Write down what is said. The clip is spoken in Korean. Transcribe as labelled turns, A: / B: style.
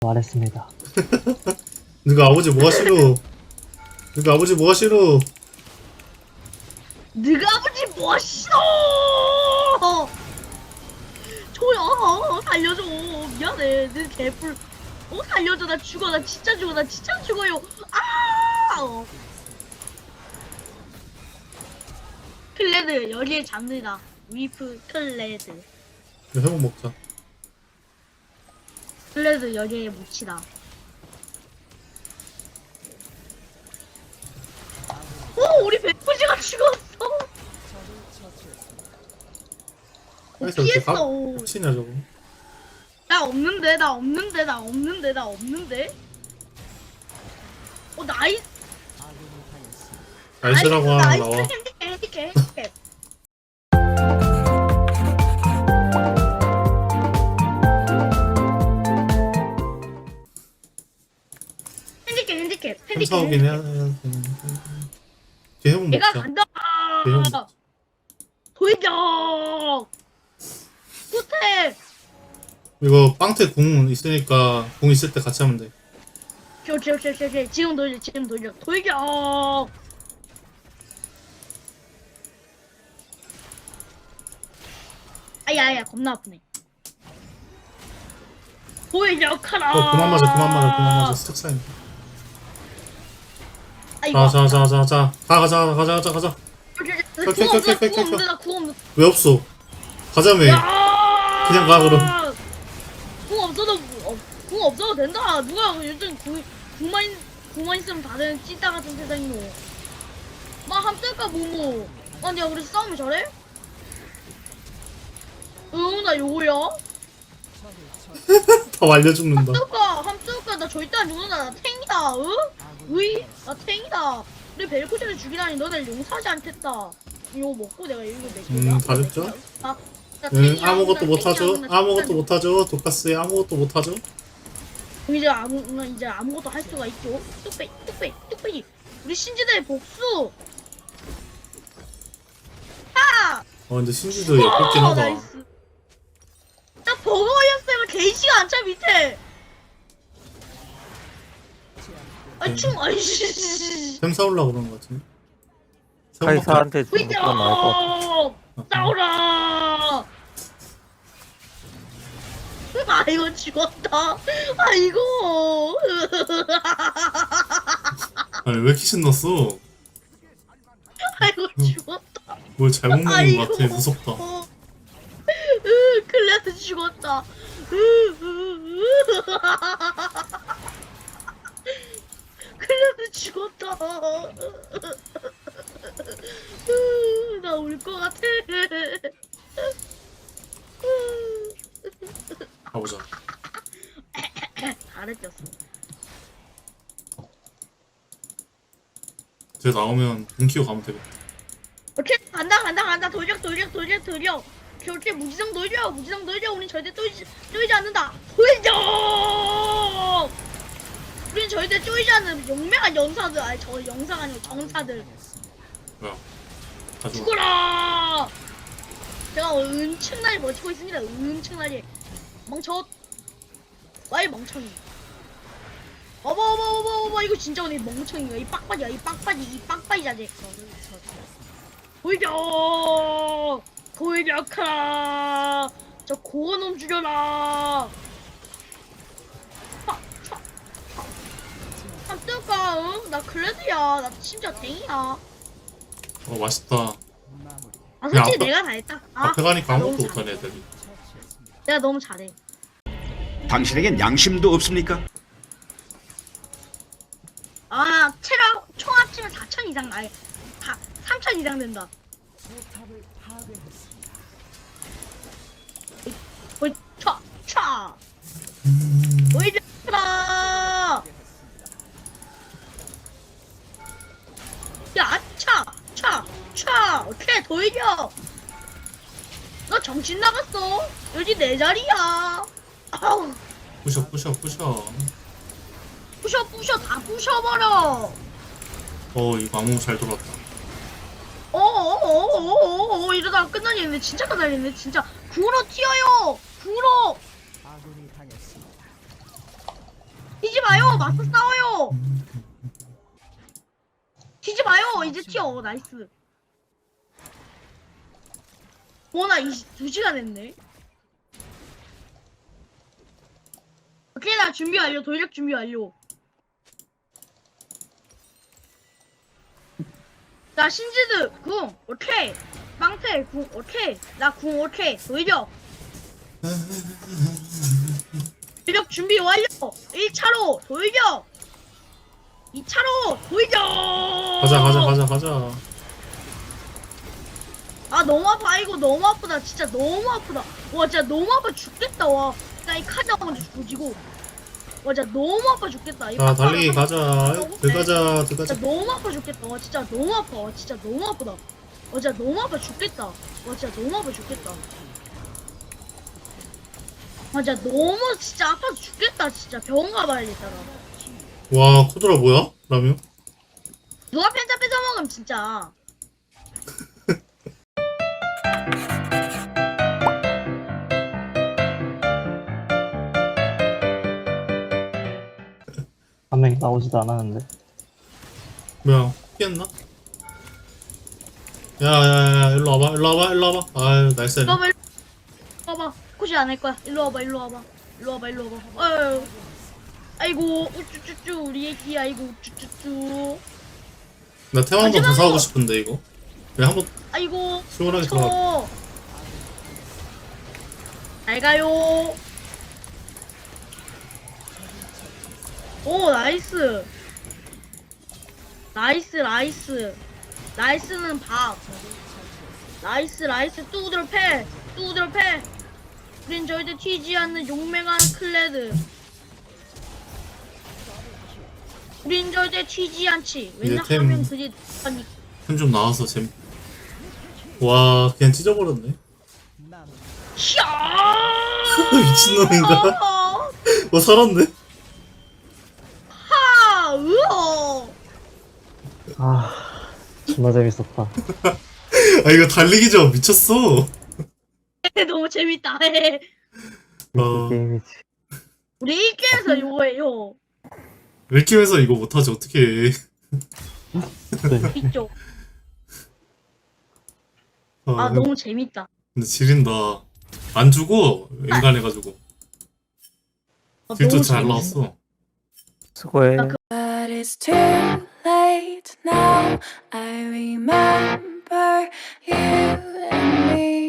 A: 말했습니다.
B: 너가 아버지 뭐가 싫어? 너가 아버지 뭐가 싫어?
C: 네가 아버지 뭐 싫어? 조야 살려줘. 미안해. 내 개뿔. 살려줘. 나 죽어. 나 진짜 죽어. 나 진짜 죽어요. 아! 클레드 여기에 잡니다. 위프 클레드.
B: 회복 먹자.
C: 클레드 여기에 묻히다. 우리 백부지가 죽었어.
B: 그래서 이렇게
C: 피했어.
B: 깝치냐 저거?
C: 나 없는데. 나이스.
B: 날씨라고 하나 나와.
C: 핸디캡.
B: 탐사오긴 해야 되는데. 뒤에 회복
C: 내가
B: 먹자.
C: 간다.
B: 뒤에 회복 먹자.
C: 돌격. 호텔.
B: 이거 빵태 궁 있으니까 궁 있을 때 같이 하면 돼.
C: 오케이. 지금 돌격. 아야 겁나 아프네. 돌격하라.
B: 그만 맞아. 스택 쌓인.
C: 아이고.
B: 가자. 가자.
C: 구워 없는데.
B: 왜 없어? 가자며. 그냥 가 그럼.
C: 궁 없어도 된다. 누가 요즘 궁만 있으면 다들 찐따 같은 세상이노. 막 함쓸까 뭐뭐. 아니야 우리 싸우면 잘해? 나 요거야.
B: 다 알려 죽는다.
C: 함쓸까 나 절대 안 죽는다. 나 탱이다. 나 탱이다. 우리 벨코션을 죽이다니 너네 용서하지 않겠다. 이거 먹고 내가 이거 먹고.
B: 다 줬죠?
C: 나
B: 아무것도 못하죠.
C: 탱이야.
B: 아무것도 못하죠. 독가스에 아무것도 못하죠.
C: 이제 아무것도 할 수가 있죠. 뚝배기. 우리 신지대의 복수.
B: 근데 신지도 예쁘긴 하다.
C: 나이스. 나 버거 걸렸으면 게이지가 안 차 밑에. 아이씨.
B: 샘 사올라 그러는 거 같은데.
A: 카이사한테 죽는 건 나을 것 같아.
C: 싸우라. 아이고 죽었다. 아이고.
B: 아니 왜 이렇게 신났어?
C: 아이고 죽었다.
B: 뭘 잘못 먹은
C: 아이고.
B: 거 같아. 무섭다.
C: 클레드 죽었다. 클레드 죽었다. 나 울 것 같아.
B: 가보자.
C: 잘했었어.
B: 쟤 나오면 돈 키고 가면 되겠다.
C: 오케이 간다. 돌격. 오케이 무지성 돌려. 우린 절대 쪼이지 않는다. 돌격. 우린 절대 쪼이지 않는 용맹한 연사들. 아니 저 영상 아니고 정사들.
B: 뭐야? 가져와.
C: 죽어라. 제가 엄청나게 버티고 있습니다. 엄청나게. 멍청. 와이 멍청이. 어버 이거 진짜 오늘 멍청이야. 이 빡빡이 자제. 돌격하라. 저 고어놈 죽여라. 함뜰까? 응? 나 클레드야. 나 심지어 댕이야.
B: 맛있다.
C: 솔직히
B: 앞에-
C: 내가 다 했다.
B: 앞에 가니까
C: 나
B: 아무것도
C: 너무
B: 못하네 애들이.
C: 내가 너무 잘해.
D: 당신에겐 양심도 없습니까?
C: 체력 총 합치면 4,000 이상 나요. 3,000 이상 된다. 차. 보이잖아. 야, 차. 오케이, 돌격. 너 정신 나갔어. 여기 내 자리야. 아우.
B: 부셔.
C: 부셔 다 부셔버려.
B: 이거 아무 잘 돌았다.
C: 이러다가 끝나겠네. 진짜 끝나겠네. 진짜 구로 튀어요. 구로. 마요. 맞서 싸워요. 튀지 마요. 이제 튀어. 나이스. 나 2시간 했네. 오케이, 나 준비 완료. 돌격 준비 완료. 나 신지드 궁 오케이. 빵태 궁 오케이. 나 궁 오케이. 돌격. 돌격 준비 완료. 1차로 돌격. 2차로 돌격.
B: 가자.
C: 아 너무 아파. 이거 너무 아프다. 진짜 너무 아프다. 와 진짜 너무 아파 죽겠다. 와 나 이 카드 먼저 조지고. 와 진짜 너무 아파 죽겠다. 이
B: 자, 달리기
C: 빡빡한
B: 가자. 들어가자.
C: 진짜 너무 아파 죽겠다. 와 진짜 너무 아파. 와 진짜 너무 아프다. 와 진짜 너무 아파 죽겠다. 와 진짜 너무 아파 죽겠다. 와 진짜 너무 진짜 아파서 죽겠다. 진짜 병원 가봐야겠다. 나.
B: 와, 코드라 뭐야? 라면?
C: 누가 펜타 뺏어 먹으면 진짜.
A: 한 명이 나오지도 않았는데.
B: 뭐야, 피했나? 야, 일로 와봐. 아유, 나이스.
C: 일로 와봐. 일로 와봐. 코시 안 할 거야. 일로 와봐. 아유. 아이고 우쭈쭈쭈 우리 애기. 아이고 우쭈쭈쭈.
B: 나 태왕 한번 더
C: 마지막으로.
B: 사오고 싶은데, 이거. 왜 한번
C: 아이고
B: 시원하게 들어가.
C: 잘 가요. 오 나이스. 나이스는 밥. 나이스 뚜드러 패. 우린 절대 튀지 않는 용맹한 클레드. 우린 절대 튀지 않지.
B: 이제 템.
C: 왜냐하면 그게 아니.
B: 템 좀 나와서 와, 그냥 찢어버렸네.
C: 샤.
B: 미친놈인가? 살았네.
C: 하. 으어.
A: 아, 존나 재밌었다.
B: 아, 이거 달리기죠? 미쳤어.
C: 너무 재밌다.
B: 어.
A: 게임이지.
C: 우리 1게임에서 이거예요.
B: 웰킴에서 이거 못하지, 어떡해.
A: 네.
C: 이쪽.
B: 아,
C: 너무 재밌다.
B: 근데 지린다. 안 주고, 인간해가지고. 딜도
C: 너무
B: 잘
C: 재밌어.
B: 나왔어.
A: 수고해.
E: But it's too late now. I remember you and me.